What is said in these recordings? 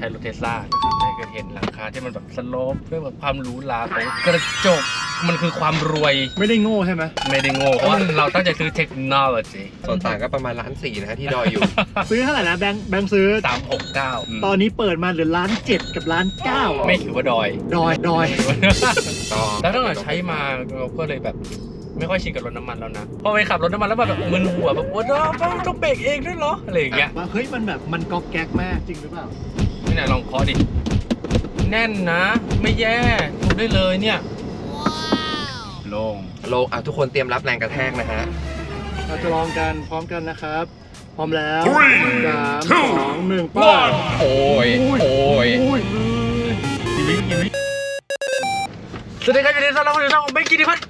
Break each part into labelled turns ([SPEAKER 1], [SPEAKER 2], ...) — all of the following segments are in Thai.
[SPEAKER 1] ช้รถเทสลานะครับได้เคยเห็นหลังคาที่มันแบบสโลปเพื่อแบบความหรูหราของกระจกมันคือความรวย
[SPEAKER 2] ไม่ได้โง่ใช่ไหม
[SPEAKER 1] ไม่ได้โง่เพราะว่าเราตั้งใจซื้อเทคโนโลยี
[SPEAKER 3] ส่วนต่างก็ประมาณ1.4 ล้านนะฮะที่ดอยอยู่
[SPEAKER 2] ซื้อเท่าไหร่นะแบงค์ซื้อ
[SPEAKER 1] 369
[SPEAKER 2] ตอนนี้เปิดมาเหลือ1.7 ล้านกับ1.9 ล้าน
[SPEAKER 1] ไม่ถือว่าดอย
[SPEAKER 2] ดอย
[SPEAKER 1] แล้วตั้งแต่ใช้มาเราก็เลยแบบไม่ค่อยชินกับรถน้ำมันแล้วนะพอไปขับรถน้ำมันแล้วแบบมึนหัวแบบว่าต้องเบรกเองด้วยเหรออะไรอย่างเงี้ย
[SPEAKER 2] ว่าเฮ้ยมันแบบมันก๊อกแก๊กมากจริงหรือเปล่า
[SPEAKER 1] นี่ไหนลองเคาะดิแน่นนะไม่แย่ถูกได้เลยเนี่ยโล่ง
[SPEAKER 3] โลทุกคนเตรียมรับแรงกระแทกนะฮะ
[SPEAKER 2] เราจะลองกันพร้อมกันนะครับ พร้อมแล้ว 3 2 1ไป
[SPEAKER 3] โอ้ย
[SPEAKER 1] สวัสดีครับยินดีต้อนรับเข้าสู่ช่องเบงกิติพัฒน์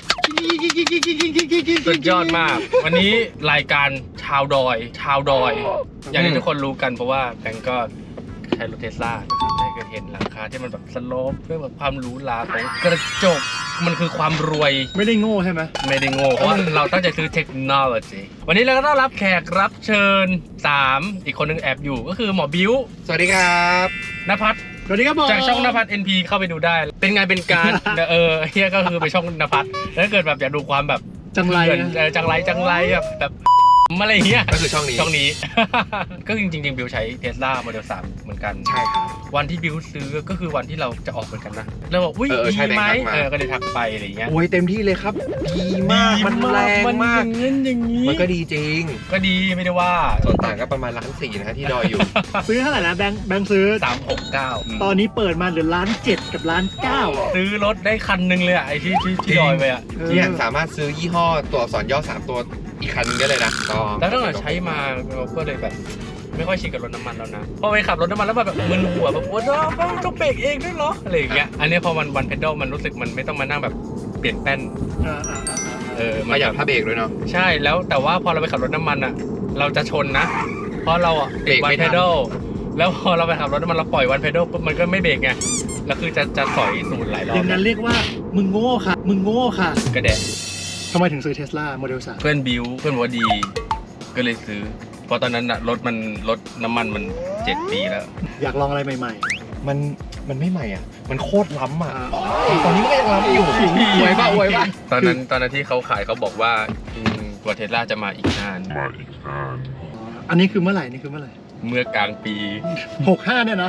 [SPEAKER 1] สุดยอดมาก วันนี้รายการชาวดอย อย่างที่ทุกคนรู้กันเพราะว่าแบงก์ก็ใช้รถเทสลาได้เคยเห็นหลังคาที่มันแบบสโลปเพื่อแบบความหรูหราของกระจกมันคือความรวย
[SPEAKER 2] ไม่ได้โง่ใช่ไหม
[SPEAKER 1] ไม่ได้โง่เพราะว่าเราตั้งใจซื้อเทคโนโลยีวันนี้เราก็ต้อนรับแขกรับเชิญ3อีกคนนึงแอบอยู่ก็คือหมอบิ้ว
[SPEAKER 3] สวัสดีครับ
[SPEAKER 1] ณภัทร
[SPEAKER 2] สวัสดีครับผม
[SPEAKER 1] จากช่องณภัทร NP เข้าไปดูได้ เป็นไงเป็นการ เฮียก็คือไปช่องณภัทรแล้วถ้าเกิดแบบอยากดูความแบบ
[SPEAKER 2] จังไร
[SPEAKER 1] เถื่อน
[SPEAKER 2] นะ
[SPEAKER 1] จังไรแบบอะไรเงี้ย
[SPEAKER 3] ก็คือช่องนี้
[SPEAKER 1] ก็จริงบิวใช้เทสลาโมเดล 3เหมือนกัน
[SPEAKER 3] ใช่ครับ
[SPEAKER 1] วันที่บิวซื้อก็คือวันที่เราจะออกเหมือนกันนะแล้วบอกอุ้ย
[SPEAKER 3] ใช่
[SPEAKER 1] ดีไหม
[SPEAKER 3] แบงค์ทักมา
[SPEAKER 1] ก็เลยทักไปอะไรเงี้ย
[SPEAKER 3] โอ้ยเต็มที่เลยครับ ดีมาก มันแรงมาก
[SPEAKER 1] มันอย่างนี้
[SPEAKER 3] มันก็ดีจริง
[SPEAKER 1] ก็ดีไม่ได้ว่า
[SPEAKER 3] ส่วนต่างก็ประมาณ1.4 ล้านนะฮะที่ดอยอยู่
[SPEAKER 2] ซื้อเท่าไหร่นะแบงค์ซื้อ
[SPEAKER 1] 369
[SPEAKER 2] ตอนนี้เปิดมาเหลือ1.7 ล้านกับ1.9 ล้าน
[SPEAKER 1] ซื้อรถได้คันนึงเลยอะไอที่ดอยไปอะ
[SPEAKER 3] เนี่ยสามารถซื้อยี่ห้อตัวอักษรย่อ3ตัวอีกคันนึงได้เลยนะก็
[SPEAKER 1] แล้วตั้งแต่ใช้มาเราก็เลยแบบไม่ค่อยชินกับรถน้ำมันแล้วนะพอไปขับรถน้ำมันแล้วแบบมึนหัวแบบว่าต้องเบรกเองด้วยเหรออะไรอย่างเงี้ยอันนี้พอมันวันเพดลมันรู้สึกมันไม่ต้องมานั่งแบบเปลี่ยนแป้น
[SPEAKER 3] ประหยัดผ้าเบรกด้วยเนาะ
[SPEAKER 1] ใช่แล้วแต่ว่าพอเราไปขับรถน้ำมันอะเราจะชนนะ เพราะเราอะ
[SPEAKER 3] เบรก
[SPEAKER 1] วัน
[SPEAKER 3] ไม่
[SPEAKER 1] เพ
[SPEAKER 3] ทัน
[SPEAKER 1] ดลแล้วพอเราไปขับรถน้ำมันเราปล่อยวันเพดลปุ๊บมันก็ไม่เบรกไงแล้วคือจะสอยสูตรหลายรอ
[SPEAKER 2] อบ ย่างนั้นเรียกว่ามึงโง่ค่ะ
[SPEAKER 1] กระแดะ
[SPEAKER 2] ทำไมถึงซื้อเทสลาโมเดล 3
[SPEAKER 1] เพื่อนบิวเพื่อนบอกว่าดีก็เลยซื้อเพราะตอนนั้นอะรถน้ำมันมัน7 ปีแล้ว
[SPEAKER 2] อยากลองอะไรใหม่
[SPEAKER 3] มันไม่ใหม่อ่ะ มันโคตรล้ำอ่ะ
[SPEAKER 2] อ่า
[SPEAKER 3] ตอนนี้ก็ยังล้ำอยู่อวยป่ะ
[SPEAKER 1] ตอนนั้นที่เขาขายเขาบอกว่าตัวเทสลาจะมาอีกนาน
[SPEAKER 2] อันนี้คือเมื่อไหร่
[SPEAKER 1] เมื่อกลางปี
[SPEAKER 2] 65เนี่ยนะ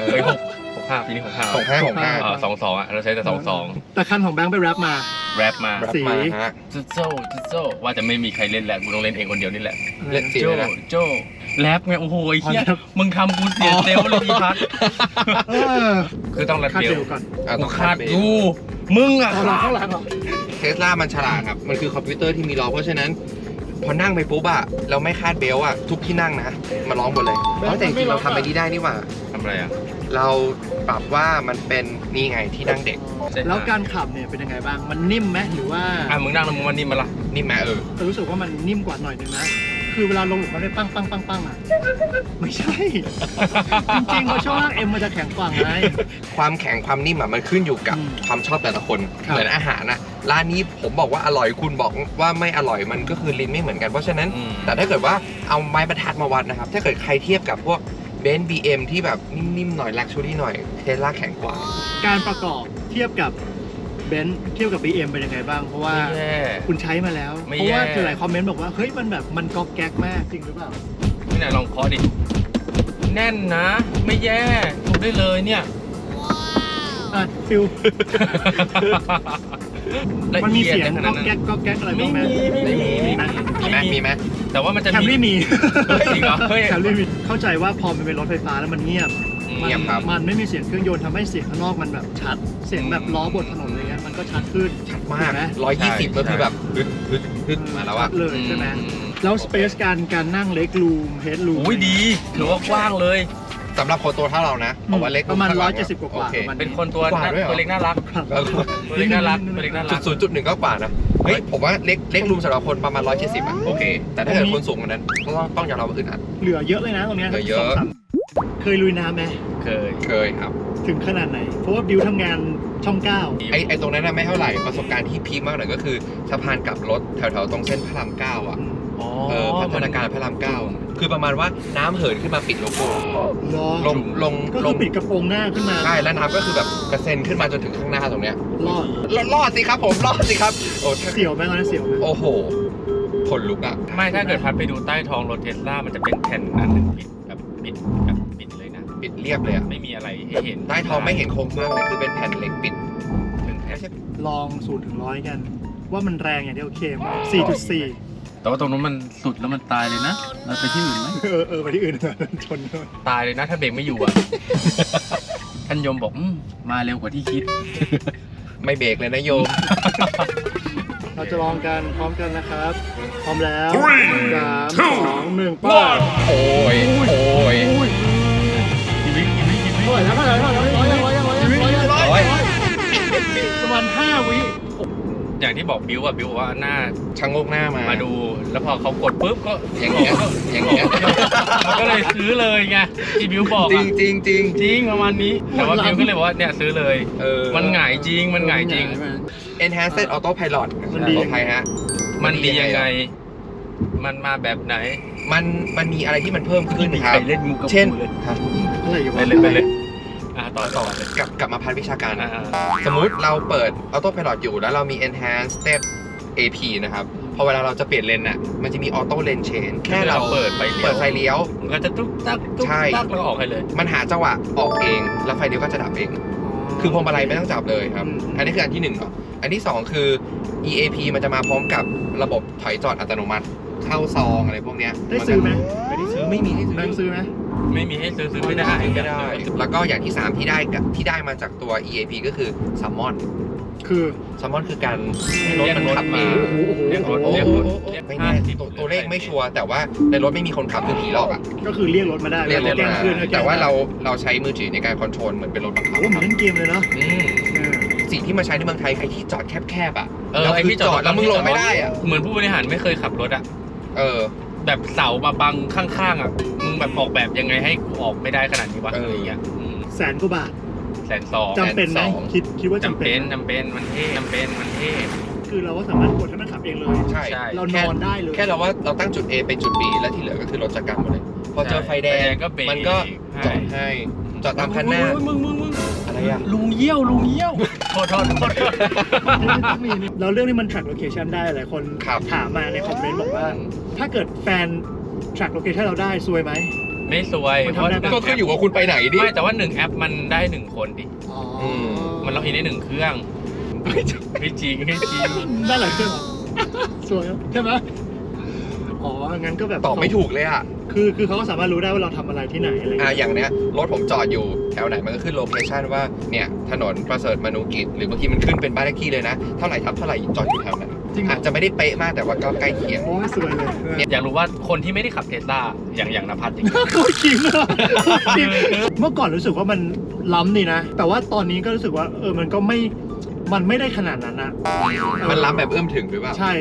[SPEAKER 1] 65ปีนี้65 22อ่ะเราใช้แต่22
[SPEAKER 2] แต่คันของแบงค์ไปแรปมา
[SPEAKER 1] แรปมา
[SPEAKER 3] รับ
[SPEAKER 2] สี
[SPEAKER 3] มาฮะ
[SPEAKER 1] โจ้ว่าจะไม่มีใครเล่นแหละกูต้องเล่นเองคนเดียวนี่แหละ
[SPEAKER 3] เล่นสี
[SPEAKER 1] โจ้
[SPEAKER 3] เลยนะ
[SPEAKER 1] โจ้แรปไงโอ้โหไอ้เหี้ย
[SPEAKER 2] อ๋อแรป
[SPEAKER 1] มึงทำกูเสียเซลล์เลยพี่พัท
[SPEAKER 2] เออ
[SPEAKER 1] คือต้องรัด
[SPEAKER 2] คาด
[SPEAKER 1] เบ
[SPEAKER 2] เบ
[SPEAKER 1] ล
[SPEAKER 2] ลก่อน
[SPEAKER 1] กูคาดกูมึงอ่ะ
[SPEAKER 2] เอาหลังข้างหลังเหรอ
[SPEAKER 3] เทสลามันฉลาดครับ มันคือคอมพิวเตอร์ที่มีล้อเพราะฉะนั้น พอนั่งไปปุ๊บอะเราไม่คาดเบลต์อะทุกที่นั่งนะมาร้องหมดเลยแต่จริงๆเราทำไปนี่ได้นี่หว่า
[SPEAKER 1] ทำอะไรอ่ะ
[SPEAKER 3] เราปรับว่ามันเป็นนี่ไงที่นั่งเด็ก
[SPEAKER 2] แล้วการขับเนี่ยเป็นยังไงบ้าง มันนิ่มไหมหรือว่า
[SPEAKER 1] มึงนั่งแล้วมึงมันนี่มาละ
[SPEAKER 3] นี่แม่
[SPEAKER 2] รู้สึกว่ามันนิ่มกว่าหน่อยนึงนะ คือเวลาลงหลุมมันได้ปั้งอ่ะ ไม่ใช่ จริงๆเพราะช่วงล่างเอ็มมันจะแข็งกว่าไง
[SPEAKER 3] ความแข็งความนิ่มอะมันขึ้นอยู่กับ
[SPEAKER 2] อืม
[SPEAKER 3] ความชอบแต่ละคน
[SPEAKER 2] ครับ
[SPEAKER 3] เหมือนอาหารนะร้านนี้ผมบอกว่าอร่อยคุณบอกว่าไม่อร่อยมันก็คือลิ้นไม่เหมือนกันเพราะฉะนั้น แต่ถ้าเกิดว่าเอาไม้บรรทัดมาวัดนะครับ ถ้าเกิดใครเทียบกับพวกเบนซ์บีเอ็มที่แบบนิ่มๆหน่อยลักชูรี่หน่อยเทสลาแข็งกว่า
[SPEAKER 2] การประกอบเทียบกับเบนซ์เทียบกับ BM เป็นยังไงบ้าง เพราะว่า
[SPEAKER 1] ไม่แย่
[SPEAKER 2] คุณใช้มาแล้ว
[SPEAKER 1] ไม่
[SPEAKER 2] เพราะว่า
[SPEAKER 1] แย่
[SPEAKER 2] เจอหลายคอมเมนต์บอกว่า เฮ้ย มันแบบมันก๊อกแก๊กมากจริงหรือเปล่า
[SPEAKER 1] นี่ไหนลองเคาะดิแน่นนะไม่แย่ถูกได้เลยเนี่ย
[SPEAKER 2] อ่ะฟิล
[SPEAKER 1] ละ
[SPEAKER 2] มันมี
[SPEAKER 1] เอียด
[SPEAKER 2] เสียง
[SPEAKER 1] ข
[SPEAKER 2] ก๊
[SPEAKER 1] นา
[SPEAKER 2] อ
[SPEAKER 1] ด
[SPEAKER 2] ก
[SPEAKER 1] นั้น
[SPEAKER 2] แก๊กก๊อกแก๊กอะไร
[SPEAKER 1] ไม่
[SPEAKER 2] บ้างไหม
[SPEAKER 1] มี
[SPEAKER 3] มีไหม
[SPEAKER 1] แต่ว่ามันจะ
[SPEAKER 2] แคมรี่มี
[SPEAKER 1] จริงเหรอเฮ้ย
[SPEAKER 2] แคมรี่มี เข้าใจว่าพอมันเป็นรถไฟฟ้าแล้วมันเงียบ
[SPEAKER 3] เงียบครับ
[SPEAKER 2] มันไม่มีเสียงเครื่องยนต์ทำให้เสียงข้างนอกมันแบบชัด เสียงแบบล้อบนถนนอะไรเงี้ยมันก็ชัดขึ้น
[SPEAKER 3] มาก
[SPEAKER 2] ถูไหม
[SPEAKER 3] 120ก็คือแบบฮึดมาแล้วอะ
[SPEAKER 2] ชัดเลยใช่ไหมแล้วสเปซการนั่งเล็กรูมเฮดรูม
[SPEAKER 1] โอ้ยดีถือว่ากว้างเลย
[SPEAKER 3] สำหรับคนตัวเท่าเรานะเพราะว่าเล็ก
[SPEAKER 2] ประมาณ
[SPEAKER 3] ข้งหลัง
[SPEAKER 2] 170กว่า
[SPEAKER 3] โอเค
[SPEAKER 2] ประมาณ
[SPEAKER 1] เป็นคนตัว
[SPEAKER 3] กว่าด้วยเหรอ
[SPEAKER 1] ตัวเล็กน่ารักตัวเล็กน่ารักตัวเล็กน่ารัก
[SPEAKER 3] 0.1ก็กว่านะเฮ้ยผมว่าเล็กรูมสำหรับคนประมาณ170อะโอเค แต่ถ้าเกิดคนสูงกว่านั้นต้องยอมรับว่าอึดอัด
[SPEAKER 2] เหลือเยอะเลยนะตรงเนี้ย
[SPEAKER 3] เหลือเยอะ
[SPEAKER 2] เคยลุยน้ำไหม
[SPEAKER 1] เคย
[SPEAKER 3] ครับ
[SPEAKER 2] ถึงขนาดไหน เพราะว่าบิวทำงานช่อง
[SPEAKER 3] ไอตรงนั้นน่ะไม่เท่าไหร่ประสบการณ์ที่พีคมากหน่อยก็คือสะพานกลับรถแถวๆตรงเส้นพระราม 9อะ
[SPEAKER 2] 9
[SPEAKER 1] อ๋อ
[SPEAKER 3] พัฒนาการพระราม 9 คือประมาณว่าน้ำเหินขึ้นมาปิดโลโก้
[SPEAKER 2] รอ
[SPEAKER 3] ล
[SPEAKER 2] ก็
[SPEAKER 3] ง
[SPEAKER 2] คือปิดกระโปรงหน้าขึ้นมา
[SPEAKER 3] ใช่แล้วน้ำก็คือแบบกระเซ็นขึ้นมาจนถึงข้างหน้าตรงเนี้ย
[SPEAKER 2] รอด
[SPEAKER 3] รอดสิครับผมรอดสิครับโอ้
[SPEAKER 2] เสียวไหมตอนนั้นเสียวไหม
[SPEAKER 3] โอ้โหขนลุกอ่ะ
[SPEAKER 1] ไม่ถ้าเกิดพัดไปดูใต้ท้องรถเทสลามันจะเป็นแผ่นอันหนึ่งปิดเลยนะ
[SPEAKER 3] ปิดเรียบเลยอ่ะ
[SPEAKER 1] ไม่มีอะไรให้เห็น
[SPEAKER 3] ใต้ท้องไม่เห็นโครงสร้างเลยคือเป็นแผ่นเหล็กปิด
[SPEAKER 1] ถึงแผ่น
[SPEAKER 2] ลอง0 ถึง 100กัน ว่ามันแรงอย่างที่โอเคไหม4.4
[SPEAKER 1] แต่ว่าตรงนู้นมันสุดแล้วมันตายเลยนะเราไปที่อื่นไหม
[SPEAKER 2] ไปที่อื่นชนเลย
[SPEAKER 1] ตายเลยนะถ้าเบรกไม่อยู่อ่ะ ท่านยมบอกมาเร็วกว่าที่คิด
[SPEAKER 3] ไม่เบรกเลยนะโยม
[SPEAKER 2] เราจะลองกันพร้อมกันนะครับ พร้อมแล้ว3 2 1ไป้า
[SPEAKER 3] โอ้ยโอ้ย
[SPEAKER 1] ชีวิต
[SPEAKER 2] เท่าไหร่แล้วร้อยประมาณ5 วิ
[SPEAKER 1] อย่างที่บอกบิวบอกว่าหน้า
[SPEAKER 3] ชะโงกหน้ามา
[SPEAKER 1] มาดู แล้วพอเขากดปุ๊บก็
[SPEAKER 3] อย่างเงี้ยอย่างเงี้ย
[SPEAKER 1] มันก็เลยซื้อเลยไงที่บิวบอก
[SPEAKER 3] จริ
[SPEAKER 1] อะ
[SPEAKER 3] งจริงจริง
[SPEAKER 1] จริงประมาณนี้แต่ว่าบิวก็เลยบอกว่าเนี่ยซื้อเลย มันหงายจริงมันหงายจริง
[SPEAKER 3] Enhanced Autopilot
[SPEAKER 2] มันดี
[SPEAKER 3] ขออภัยฮะ
[SPEAKER 1] มันดียังไง มันมาแบบไหน
[SPEAKER 3] มันมีอะไรที่มันเพิ่มขึ้น
[SPEAKER 1] มี
[SPEAKER 3] ค
[SPEAKER 1] ใค
[SPEAKER 3] รั
[SPEAKER 1] ร
[SPEAKER 3] บ
[SPEAKER 1] เล่นมุกกับ
[SPEAKER 3] เช่น
[SPEAKER 1] กูเลย
[SPEAKER 3] ครับ
[SPEAKER 2] อะไรอยู่
[SPEAKER 1] ไป
[SPEAKER 2] วะ
[SPEAKER 1] เลยต่อเลย
[SPEAKER 3] กลับมาพันวิชาการนะ
[SPEAKER 1] อ่า
[SPEAKER 3] สมมุติเราเปิด Autopilot อยู่แล้วเรามี Enhanced Step AP นะครับ พอเวลาเราจะเปลี่ยนเลนน่ะ มันจะมี Auto Lane Change แค่เรา
[SPEAKER 1] เปิดไฟ
[SPEAKER 3] เปิดไฟเลี้ยว
[SPEAKER 1] มันก็จะตุ๊กตักแล้วก็ออกให้เลย
[SPEAKER 3] มันหาจังหวะออกเอง แล้วไฟเลี้ยวก็จะดับเอง คือพวงมาลัยไม่ต้องจับเลยครับ อันนี้คืออันที่1เนาะอันที่ 2 คือ EAP มันจะมาพร้อมกับระบบถอยจอดอัตโนมัติ เข้าซองอะไรพวกเนี้ย
[SPEAKER 2] ได้ซื้อไหม
[SPEAKER 3] ไม่ได้ซื้อไม่มีให้ซื้อ
[SPEAKER 2] แบงค์ซื้อไหม
[SPEAKER 1] ไม่มีให้ซื้อไม่ได้
[SPEAKER 3] ไม่ได้ แล้วก็อย่างที่ 3 ที่ได้มาจากตัว EAP ก็คือ Summon
[SPEAKER 2] คือ
[SPEAKER 3] Summon คือการให้รถ
[SPEAKER 1] เรียก
[SPEAKER 3] มัน
[SPEAKER 1] รถ
[SPEAKER 3] ขับเอ
[SPEAKER 1] มาง เรียกรถ
[SPEAKER 3] โอ้
[SPEAKER 1] เรียก
[SPEAKER 3] โห
[SPEAKER 1] รถ
[SPEAKER 3] ไม่แน่ตัวเลขไม่ชัวร์แต่ว่าในรถไม่มีคนขับคือผีหลอกอ่ะ
[SPEAKER 2] ก็คือเรียกรถมาได้
[SPEAKER 3] เรียกรถ
[SPEAKER 2] แกล้ง
[SPEAKER 3] มา
[SPEAKER 2] คืน
[SPEAKER 3] แต่ว่าเราใช้มือถือในการคอนโทรลเหมือนเป็นรถบังคับ
[SPEAKER 2] โอ้เหมือนเล่นเกมเลยเนาะ
[SPEAKER 3] อืมสิ่งที่มาใช้ในเมืองไทยใครที่จอดแคบๆอ่ะ
[SPEAKER 1] ไอ้ที่จอด
[SPEAKER 3] แล้วมึงลงไม่ได้อ่ะ
[SPEAKER 1] เหมือนผู้บริหารไม่เคยขับรถอ่ะ
[SPEAKER 3] เออ
[SPEAKER 1] แบบเสามาบังข้างๆอ่ะมึงแบบออกแบบยังไงให้กูออกไม่ได้ขนาดนี้วะ
[SPEAKER 3] เอออ
[SPEAKER 1] อะไรอย่างเงี้ย
[SPEAKER 2] 100,000 กว่าบาท
[SPEAKER 1] 120,000
[SPEAKER 2] จำเป็นไหม
[SPEAKER 3] 120,000
[SPEAKER 2] คิดว่าจำ
[SPEAKER 1] จำ
[SPEAKER 2] เป็
[SPEAKER 1] เป็น นมันเท่มันเท่
[SPEAKER 2] คือเราก็สามารถกดให้มันขับเองเลย
[SPEAKER 3] ใช่
[SPEAKER 1] ใช่
[SPEAKER 2] เรานอนได้เลย
[SPEAKER 3] แค่เราว่าเราตั้งจุด A ไปจุด B แล้วที่เหลือก็คือรถจัดการหมดเลย พอเจอไฟแดง
[SPEAKER 1] ก็เบรก
[SPEAKER 3] มันก็จอดให้จอดตามคันหน้า
[SPEAKER 1] มึง
[SPEAKER 3] อะไรอ่ะ
[SPEAKER 1] ลุงเยี่ยวโทษ
[SPEAKER 2] แล้วเรื่องนี้มัน track location ได้หลายคน
[SPEAKER 3] ครับ
[SPEAKER 2] ถามมาในคอมเมนต์บอกว่า ถ้าเกิดแฟน track location เราได้ซวยไหม
[SPEAKER 1] ไม่สวย
[SPEAKER 2] มันทำได้ปะ
[SPEAKER 3] ก็ขึ้นอยู่ว่าคุณไปไหนดิ
[SPEAKER 1] ไม่แต่ว่า1แอปมันได้1คนดิ
[SPEAKER 2] อ๋อ
[SPEAKER 1] มันล็อกอินได้1เครื่องไม่จริง
[SPEAKER 2] ได้หลายเครื่องเหรอสวยใช่ไหมอ๋องั้นก็แบบ
[SPEAKER 3] ตอบไม่ถูกเลยอ่ะ
[SPEAKER 2] คือเขาก็สามารถรู้ได้ว่าเราทำอะไรที่ไหนอะไร
[SPEAKER 3] อย่างเนี้ยรถผมจอดอยู่แถวไหนมันก็ขึ้นโลเคชันว่าเนี่ยถนนประเสริฐมนูกิจหรือบางทีมันขึ้นเป็นบ้านเลขที่เลยนะเท่าไหร่ทับเท่าไหร่จอดอยู่แถวนั้น
[SPEAKER 2] จริงเหรอ
[SPEAKER 3] อาจจะไม่ได้เป๊ะมากแต่ว่าก็ใกล้เคียง
[SPEAKER 2] โอ้ยสวยเลย
[SPEAKER 1] อยากรู้ว่าคนที่ไม่ได้ขับเทสลาอย่างนภัสอย่างเงี้ย
[SPEAKER 2] โคตรขิงเลยเมื่อก่อนรู้สึกว่ามันล้ำนี่นะ แต่ว่าตอนนี้ก็รู้สึกว่ามันก็มันไม่ได้ขนาดนั้นนะ
[SPEAKER 3] มันล้ำแบบเอื้อมถึงหรือเปล่า
[SPEAKER 2] ใช่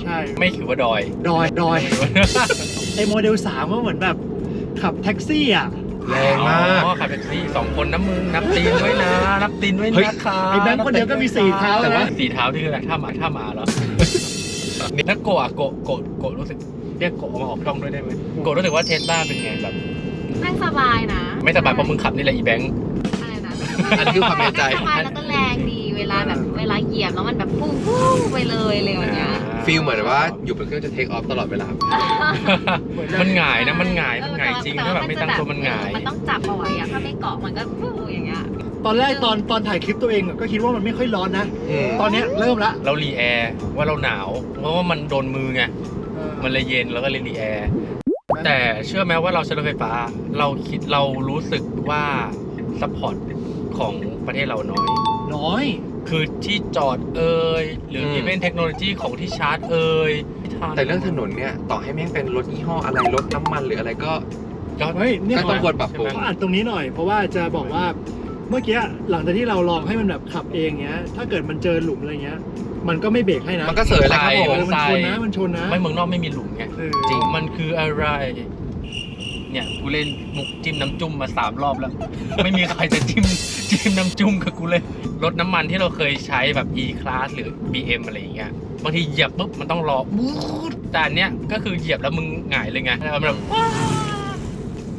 [SPEAKER 1] ไม่ถือว่าดอย
[SPEAKER 2] ดอยไอโมเดล3ก็เหมือนแบบขับแท็กซี่อ่ะ
[SPEAKER 3] แรงมาก
[SPEAKER 1] อ๋อขับแท็กซี่2คนนะมึงนับตีนไว้นะนับตีนไว้
[SPEAKER 3] เฮ้ย
[SPEAKER 1] นะคะ
[SPEAKER 2] ไอ้แบงค์คนเดียวก็มี4เท้า
[SPEAKER 1] แต่ว่า
[SPEAKER 2] นะ
[SPEAKER 1] 4เท้าที่คืออะไรท่าหมาเหรอแล้วโกะโกะรู้สึกเรียกโกะมาออกช่องด้วยได้ไหมโกะรู้สึกว่าเทสลาเป็นไงแบบ
[SPEAKER 4] นั่งสบายนะ
[SPEAKER 1] ไม่สบายเพราะมึงขับนี่แหละอีแบงค์
[SPEAKER 4] อะไรนะ
[SPEAKER 3] อันนี้คือความในใจ
[SPEAKER 4] สบายแล้วก็แรงดีเวลาเหยียบแล้วมันแบบพุ่งไปเลยอะไรอย่างเงี้ย
[SPEAKER 3] ฟีลเหมือนว่าอยู่บนเครื่องจะเทคออฟตลอดเวลา
[SPEAKER 1] มันหงายนะมันหงายจริงถ้าแบบไม่ตั้งตัวมันหงาย
[SPEAKER 4] มันต้องจับเอาไว้อะถ้าไม่เกาะมันก็ฟูอย่างเงี้ย
[SPEAKER 2] ตอนแรกตอนถ่ายคลิปตัวเองก็คิดว่ามันไม่ค่อยร้อนนะ ตอนเนี้ยเริ่มละ
[SPEAKER 1] เรารีแอร์ว่าเราหนาวเพราะว่ามันโดนมือไงมันเลยเย็นแล้วก็เลยรีแอร์แต่เชื่อไหมว่าเราใช้รถไฟฟ้าเรารู้สึกว่าซัพพอร์ตของประเทศเราน้อย คือที่จอดหรืออีเวนต์เทคโนโลยีของที่ชาร์จ
[SPEAKER 3] แต่เรื่องถนนเนี่ยต่อให้แม่งเป็นรถยี่ห้ออะไรรถน้ำมันหรืออะไรก็
[SPEAKER 2] เฮ้ยเนี่ย
[SPEAKER 3] ก็ต้องควรปรับปรุง
[SPEAKER 2] ขออัดตรงนี้หน่อยเพราะว่าจะบอกว่าเมื่อกี้หลังจากที่เราลองให้มันแบบขับเองเงี้ยถ้าเกิดมันเจอหลุมอะไรเงี้ยมันก็ไม่เบรกให้นะ
[SPEAKER 3] มันก็เสยแหละครับผม
[SPEAKER 2] มันชนนะ
[SPEAKER 1] ไม่เมืองนอกไม่มีหลุมไง
[SPEAKER 3] จริง
[SPEAKER 1] มันคืออะไร เนี่ยกูเล่นมุกจิ้มน้ำจุ่มมา3 รอบแล้ว ไม่มีใครจะจิ้มน้ำจุ่มกับกูเลยรถน้ำมันที่เราเคยใช้แบบ E-Class หรือ BM อะไรอย่างเงี้ยบางทีเหยียบปุ๊บมันต้องรอแต่อันเนี้ยก็คือเหยียบแล้วมึงหงายเลยไงแล้วมันแบบ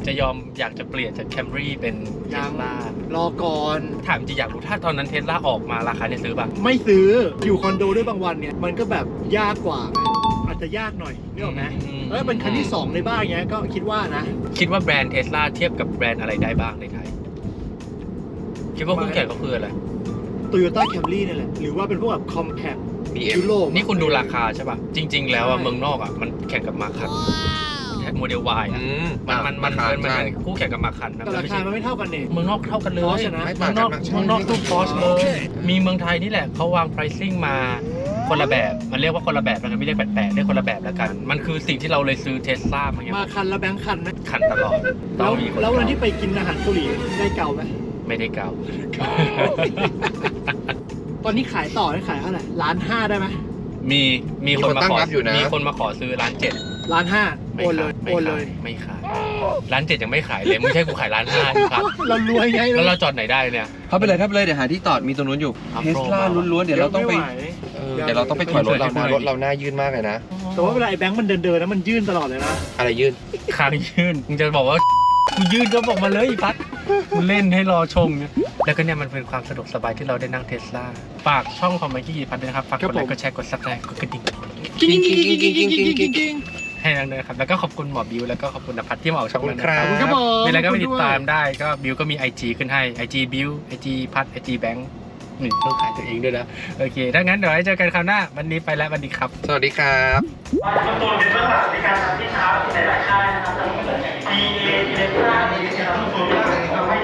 [SPEAKER 1] จะยอมอยากจะเปลี่ยนจากแคมรี่เป็นเท
[SPEAKER 2] ยั
[SPEAKER 1] ส
[SPEAKER 2] ง
[SPEAKER 1] ลาร
[SPEAKER 2] อก่อน
[SPEAKER 1] ถามจริงอยากรู้ถ้าตอนนั้นเทสลาออกมาราคาเนี่ยซื้อป่ะ
[SPEAKER 2] ไม่ซื้ออยู่คอนโดด้วยบางวันเนี่ยมันก็แบบยากกว่าไงอาจจะยากหน่อยนึกออกไหมแล้วเป็นคันที่ 2 ในบ้านเงี้ยก็คิดว่านะ
[SPEAKER 1] คิดว่าแบรนด์เทสลาเทียบกับแบรนด์อะไรได้บ้างในไทย คิดว่าคู่แข่งก็คืออะไร
[SPEAKER 2] Toyota Camry นี่แหละหรือว่าเป็นพวกแบบ Compact
[SPEAKER 3] BM
[SPEAKER 2] ยุโรป
[SPEAKER 1] นี่คุณดูราคาใช่ป่ะ จริง ๆ แล้วอะเมืองนอกอะมันแข่งกับมาคันโมเดล Y อะมันคู่แข่งกับมาคันนะ
[SPEAKER 2] แต่
[SPEAKER 1] มัน
[SPEAKER 2] รา
[SPEAKER 1] ไม่
[SPEAKER 2] คา
[SPEAKER 1] ใช่
[SPEAKER 2] มันไม่เท่ากันเนี่ย
[SPEAKER 1] เมืองนอกเท่ากันเลย
[SPEAKER 2] Porsche นะ
[SPEAKER 1] เมืองนอกตู้พอสเลย มีเมืองไทยนี่แหละเขาวาง pricing มาคนละแบบ มันเรียกว่าคนละแบบแล้วกันไม่เรียกแปลกๆเรียกคนละแบบแล้วกัน มันคือสิ่งที่เราเลยซื้อเทสลามาไง
[SPEAKER 2] มาคันแล้วแบงค์คันไหม
[SPEAKER 1] คันตลอดต้
[SPEAKER 2] แล้
[SPEAKER 1] อ
[SPEAKER 2] ว
[SPEAKER 1] งมีคน
[SPEAKER 2] แล้ววัน
[SPEAKER 1] เก่า
[SPEAKER 2] ที่ไปกินอาหารเกาหลีได้เก่าไหม
[SPEAKER 1] ไม่ได้เก่า
[SPEAKER 2] ตอนนี้ขายต่อได้ขายเท่าไหร่1,500,000ได้ไหม
[SPEAKER 1] มีคนมาขอ
[SPEAKER 3] ตั้งรับอยู่นะ
[SPEAKER 1] มีคนมาขอซื้อ1.7
[SPEAKER 2] 1,500,000โอนเลยโอนเลย
[SPEAKER 1] ไม่ขาย1.7ยังไม่ขายเลยไม่ใช่กูขาย1.5ครับ
[SPEAKER 2] เรารวยไง
[SPEAKER 1] แล้วเราจอดไหนได้เนี่ย
[SPEAKER 3] ถ้าไปเลยเดี๋ยวหาที่จอดมีตรงนู้นอยู่
[SPEAKER 1] ครับ
[SPEAKER 3] เทสลาล้วนๆเดี๋ยวเราต้องไป
[SPEAKER 2] ม่หว
[SPEAKER 3] เดี๋ยวเราต้องไปถอยรถเรานะรถเราหน้ายื่นมากเลยนะ
[SPEAKER 2] แต่ว่าเวลาไอ้แบงค์มันเดินนะมันยื่นตลอดเลยนะ
[SPEAKER 3] อะไรยื่น
[SPEAKER 1] คางยื่นมึงจะบอกว่ากูยื่นก็บอกมาเลยอีพัดกูเล่นให้รอชมเนี่ยแล้วก็เนี่ยมันเป็นความสะดวกสบายที่เราได้นั่งเทสลาฝากช่องของไมค์กี้พัดด้วยนะครับฝากกดไลค์กดแชร์กดซับสไครต์กดกระดิ่ง
[SPEAKER 2] กิ้งกิ้งกิ้งกิ้งกิ้งกิ้งกิ้งกิ้ง
[SPEAKER 1] ให้นั่งด้วยนะครับแล้วก็ขอบคุณหมอบิวแล้วก็ขอบคุณนภัทรที่มาออกช่องนั้นนะ
[SPEAKER 3] ขอบคุณครับ
[SPEAKER 2] ครับผม
[SPEAKER 1] มีอะไรก็ไปติดตามได้ก็บิวก็มี IG ขึ้นให้ IG บิว IG พัด IG แบงค์นี่ต้องขายตัวเองด้วยนะโอเคถ้างั้นเดี๋ยวไว้เจอกันคราวหน้าวันนี้ไปแล้วสวัสดีครับ
[SPEAKER 3] สวัสดีครับ
[SPEAKER 5] คุณตูนเป็นเบื้องหลังในการทำที่เช้าที่หลายๆค่ายนะครับทั้งเหมือน BA อิเล็กทราดีเอสคุณตูนก็ทำให้